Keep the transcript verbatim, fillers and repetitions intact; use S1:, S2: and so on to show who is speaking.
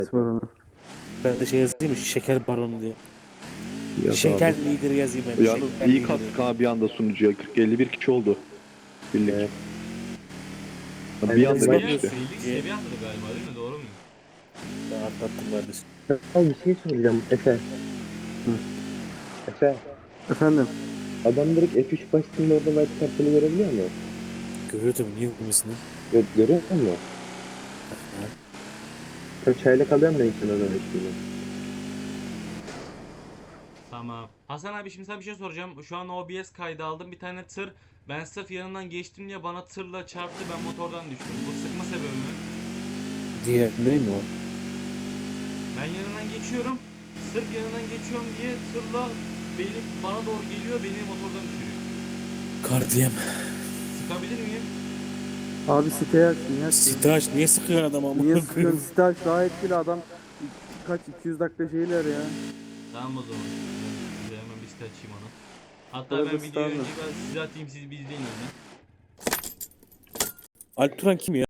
S1: Sorunu.
S2: Ben de şey yazayım mı? Şeker baronu diye.
S3: Yaz
S2: Şeker
S3: abi.
S2: lideri yazayım ben.
S3: Yalnız
S2: Şeker
S3: iyi
S2: lideri.
S3: kastık ha bir anda sunucuya. kırk elli bir kişi oldu. Birlik.
S4: Evet.
S3: Bir
S4: Evet,
S3: anda
S2: biz
S4: evet.
S3: geçti.
S2: bakıyoruz.
S5: elli seviye atladı galiba değil mi? Doğru mu?
S2: Ben atlattım kardeşim.
S4: Abi bir şey soracağım Efe. Efe.
S1: Efendim.
S4: Adam direkt F üç başlığında orada white kartını görebiliyor mu?
S2: Görüyordum niye okumasını?
S4: Gö görüyor musun? Tabii çayla kalıyorum da ilk o zaman şimdi.
S5: Tamam. Hasan abi şimdi sana bir şey soracağım. Şu an O B S kaydı aldım. Bir tane tır. Ben sırf yanından geçtim diye bana tırla çarptı. Ben motordan düştüm. Bu sıkma sebebi mi?
S2: Diye değil mi o?
S5: Ben yanından geçiyorum. Sırf yanından geçiyorum diye tırla beni bana doğru geliyor. Beni motordan düşürüyor.
S2: Kardiyem.
S5: Sıkabilir miyim?
S1: Abi siteye açsın ya.
S2: Sitaş niye sıkıyor adam ama?
S1: Niye sıkıyorsun? Site aç daha etkili adam. Kaç iki yüz dakika şeyler ya.
S5: Tamam o zaman. Ben size hemen bir site açayım ona. Hatta
S1: Arada
S5: ben videoyu
S1: standart.
S5: önce ben size atayım, siz bir izleyin önden.
S2: Alp Turan kim ya?